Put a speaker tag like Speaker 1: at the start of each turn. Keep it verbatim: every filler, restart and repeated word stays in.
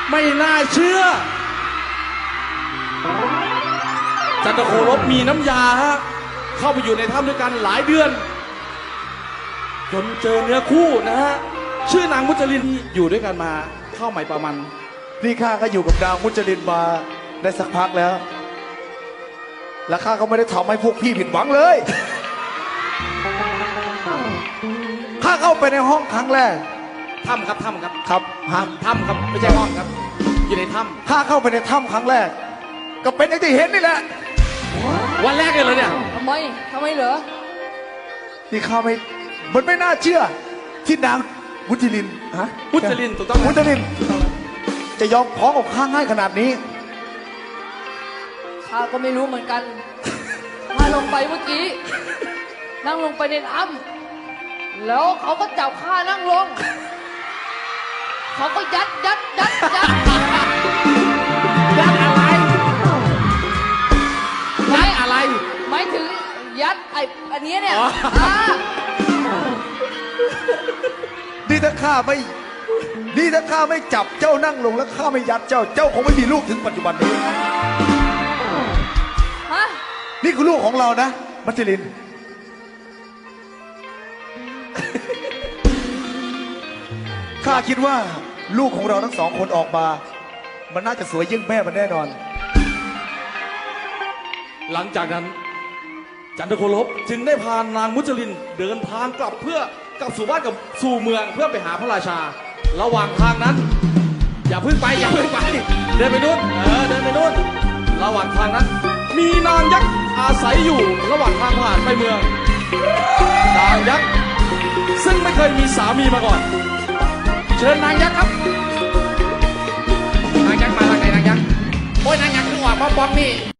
Speaker 1: ไม่น่าเชื่อจันทโคลบมีน้ำยาฮะเข้าไปอยู่ในถ้ำด้วยกันหลายเดือนจนเจอเนื้อคู่นะฮะชื่อนางมุจลินอยู่ด้วยกันมาเข้าใหม่ประมาณ
Speaker 2: นี่ข้าก็อยู่กับนางมุจลินมาได้สักพักแล้วและข้าก็ไม่ได้ทำให้พวกพี่ผิดหวังเลยข้าเข้าไปในห้องครั้งแรก
Speaker 1: ถ้ำครับถ้ำครับ
Speaker 2: ครับฮะ
Speaker 1: ถ้ำครับไม่ใช่ห้องครับอยู่ในถ้ำ
Speaker 2: ข้าเข้าไปในถ้ำครั้งแรกก็เป็นอย่างที่เห็นนี่แหละ
Speaker 1: วันแรกเลยเหรอเนี่ย
Speaker 3: ทำไมทำไมเหรอ
Speaker 2: นี่ข้าไม่มันไม่น่าเชื่อที่นางมุจลินฮะ
Speaker 1: มุจลินถูกต้อง
Speaker 2: มุจลินจะยอมพ้องกับข้าง่ายขนาดนี้
Speaker 3: ข้าก็ไม่รู้เหมือนกันข้าลงไปเมื่อกี้นั่งลงไปในถ้ำแล้วเขาก็จับข้านั่งลงเขาก็ยัดยัดยัดยัด
Speaker 1: ยัดอะไรยัดอะไร
Speaker 3: หมายถึงยัดไอ้อันนี้เนี่ย
Speaker 2: นี่ถ้าข้าไม่นี่ถ้าข้าไม่จับเจ้านั่งลงแล้วข้าไม่ยัดเจ้าเจ้าคงไม่มีลูกถึงปัจจุบันนี้
Speaker 3: ฮะ
Speaker 2: นี่คือลูกของเรานะมัจลินข้าคิดว่าลูกของเราทั้งสองคนออกมามันน่าจะสวยยิ่งแม่มันแน่นอน
Speaker 1: หลังจากนั้นจันทโคลบจึงได้พานางมุจลินเดินทางกลับเพื่อกลับสู่บ้านกับสู่เมืองเพื่อไปหาพระราชาระหว่างทางนั้นอย่าพึ่งไปอย่าพึ่งไปเดินไปนู่นเออเดินไปนู่นระหว่างทางนั้นมีนางยักษ์อาศัยอยู่ระหว่างทางผ่านไปเมืองนางยักษ์ซึ่งไม่เคยมีสามีมาก่อนเชิญนางยักษ์ครับนางยักษ์มาทางไหนนางยักษ์โอ้ยนางยักษ์คือว่าป๊อปป๊อปนี่